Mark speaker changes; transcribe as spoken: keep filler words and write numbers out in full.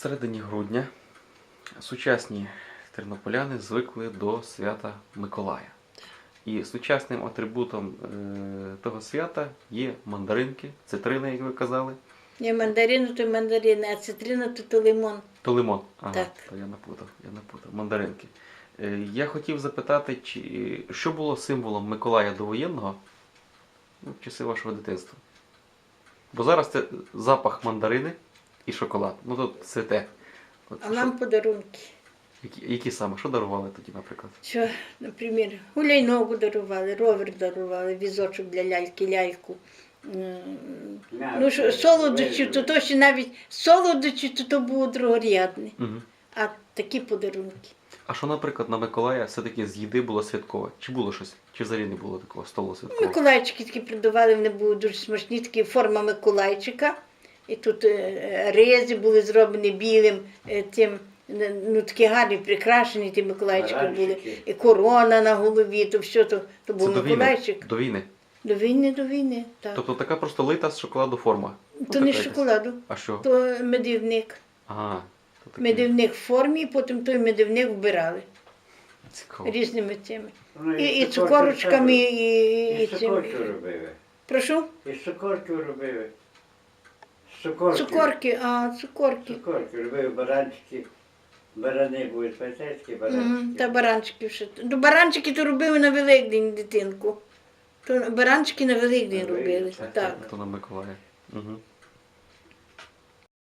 Speaker 1: середині грудня сучасні тернополяни звикли до свята Миколая. І сучасним атрибутом е, того свята є мандаринки, цитрини, як ви казали.
Speaker 2: Не мандарину, то мандарини, а цитрина, то, то лимон.
Speaker 1: То лимон. Ага,
Speaker 2: Так.
Speaker 1: то я напутав, я напутав. Мандаринки. Е, я хотів запитати, чи, що було символом Миколая довоєнного ну, в часи вашого дитинства? Бо зараз це запах мандарини і шоколад. Ну тут цвете. От,
Speaker 2: А
Speaker 1: що-
Speaker 2: нам подарунки.
Speaker 1: які, які саме? Що дарували тоді, наприклад?
Speaker 2: Що, наприклад, гуляйногу дарували, ровер дарували, візочок для ляльки, ляльку. М, Ну, що, солодощі, то, то ще навіть солодощі, то, то було другорядне.
Speaker 1: Угу.
Speaker 2: А такі подарунки.
Speaker 1: А що, наприклад, на Миколая все-таки з їди було святкове? Чи було щось? Чи взагалі не було такого столу святкового?
Speaker 2: Миколайчики такі придавали, вони були дуже смачні, такі форма Миколайчика. І тут е, ризи були зроблені білим, е, тим, е, ну такі гарні, прикрашені ті Миколайчики були.
Speaker 3: Баранчики.
Speaker 2: І корона на голові, то все, то, то
Speaker 1: Це
Speaker 2: був
Speaker 1: до війни?
Speaker 2: Миколайчик.
Speaker 1: До війни.
Speaker 2: До війни, до війни, так.
Speaker 1: Тобто така просто лита з шоколаду форма? Ну,
Speaker 2: то не
Speaker 1: така
Speaker 2: з
Speaker 1: якась.
Speaker 2: шоколаду,
Speaker 1: А що?
Speaker 2: то медівник.
Speaker 1: Ага. То таке.
Speaker 2: Медівник в формі, і потім той медівник вбирали
Speaker 1: Цікаво.
Speaker 2: різними цими.
Speaker 3: Ну,
Speaker 2: І, і
Speaker 3: цукорки
Speaker 2: цукорочками,
Speaker 3: робили.
Speaker 2: і, і,
Speaker 3: І
Speaker 2: цим.
Speaker 3: цукорки робили.
Speaker 2: Прошу?
Speaker 3: І цукорки робили. Цукорки.
Speaker 2: Цукорки, а, цукорки.
Speaker 3: Цукорки робили, баранчики. Барани були, пам'ятаєте, баранчики?
Speaker 2: Мгм, Та баранчики ще. Ну, баранчики то робили на Великдень, дитинку. То баранчики на Великдень
Speaker 3: На
Speaker 2: робили.
Speaker 3: Великдень,
Speaker 2: Так.
Speaker 1: То на Миколая. Угу.